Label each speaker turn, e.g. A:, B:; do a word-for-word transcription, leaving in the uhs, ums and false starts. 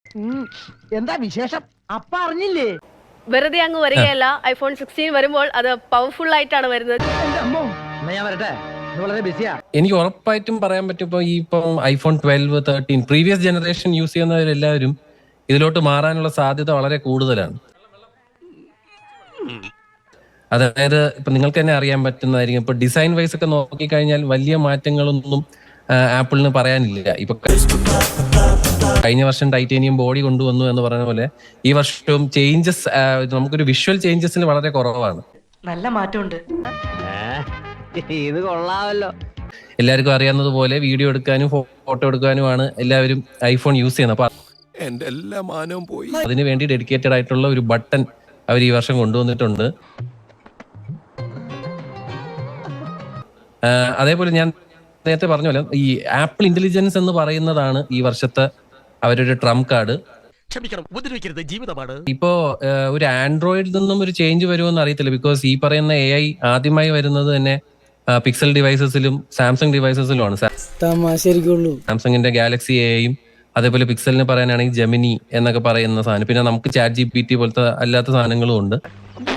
A: എന്താ വിശേഷം? അപ്പ അറിഞ്ഞില്ലേ?
B: വെറുതെ അങ്ങ് വരികയല്ല. ഐഫോൺ സിക്സ്റ്റീൻ വരുമ്പോൾ അത് പവർഫുൾ ആയിട്ടാണ് വരുന്നത്.
A: ഞാൻ വരട്ടെ, വളരെ ബിസിയാ.
C: എനിക്ക് ഉറപ്പായിട്ടും പറയാൻ പറ്റും, ഇപ്പൊ ഈ ഇപ്പം iPhone twelve thirteen previous generation use ചെയ്യുന്നവരെല്ലാവരും ഇതിലോട്ട് മാറാനുള്ള സാധ്യത വളരെ കൂടുതലാണ്. അതായത് ഇപ്പൊ നിങ്ങൾക്ക് തന്നെ അറിയാൻ പറ്റുന്നതായിരിക്കും, ഇപ്പൊ ഡിസൈൻ വൈസ് ഒക്കെ നോക്കിക്കഴിഞ്ഞാൽ വലിയ മാറ്റങ്ങളൊന്നും ആപ്പിളിന് പറയാനില്ല. ഇപ്പൊ കഴിഞ്ഞ വർഷം ടൈറ്റേനിയം ബോഡി കൊണ്ടുവന്നു എന്ന് പറഞ്ഞ പോലെ ഈ വർഷവും ചേഞ്ചസ്, നമുക്കൊരു വിഷ്വൽ ചേഞ്ചസിന് വളരെ കുറവാണ്.
D: നല്ല മാറ്റമുണ്ട്.
A: ഇത് കൊള്ളാമല്ലോ.
C: എല്ലാവർക്കും അറിയാവുന്നതുപോലെ വീഡിയോ എടുക്കാനും ഫോട്ടോ എടുക്കാനുമാണ് എല്ലാവരും ഐഫോൺ യൂസ് ചെയ്യുന്നത്. അപ്പൊ
E: എന്റെ എല്ലാ മാനവും പോയി.
C: അതിന് വേണ്ടി ഡെഡിക്കേറ്റഡ് ആയിട്ടുള്ള ഒരു ബട്ടൺ അവർ ഈ വർഷം കൊണ്ടുവന്നിട്ടുണ്ട്. അതേപോലെ ഞാൻ നേരത്തെ പറഞ്ഞ പോലെ ഈ ആപ്പിൾ ഇന്റലിജൻസ് എന്ന് പറയുന്നതാണ് ഈ വർഷത്തെ അവരുടെ ട്രംപ് കാർഡ്.
E: ക്ഷമിക്കണം, ഉപദ്രവിക്കരുത്, ജീവിതമാണ്.
C: ഇപ്പോ ഒരു ആൻഡ്രോയിഡിൽ നിന്നും ഒരു ചേഞ്ച് വരുമോന്ന് അറിയത്തില്ല. ബിക്കോസ് ഈ പറയുന്ന എ ഐ ആദ്യമായി വരുന്നത് തന്നെ പിക്സൽ ഡിവൈസസിലും സാംസങ് ഡിവൈസസിലുമാണ്. സാംസങ്ങിന്റെ ഗാലക്സി എ ഐയും അതേപോലെ പിക്സലിന് പറയാനാണെങ്കിൽ ജെമിനി എന്നൊക്കെ പറയുന്ന സാധനം, പിന്നെ നമുക്ക് ചാറ്റ് ജി പി ടി പോലത്തെ അല്ലാത്ത സാധനങ്ങളും ഉണ്ട്.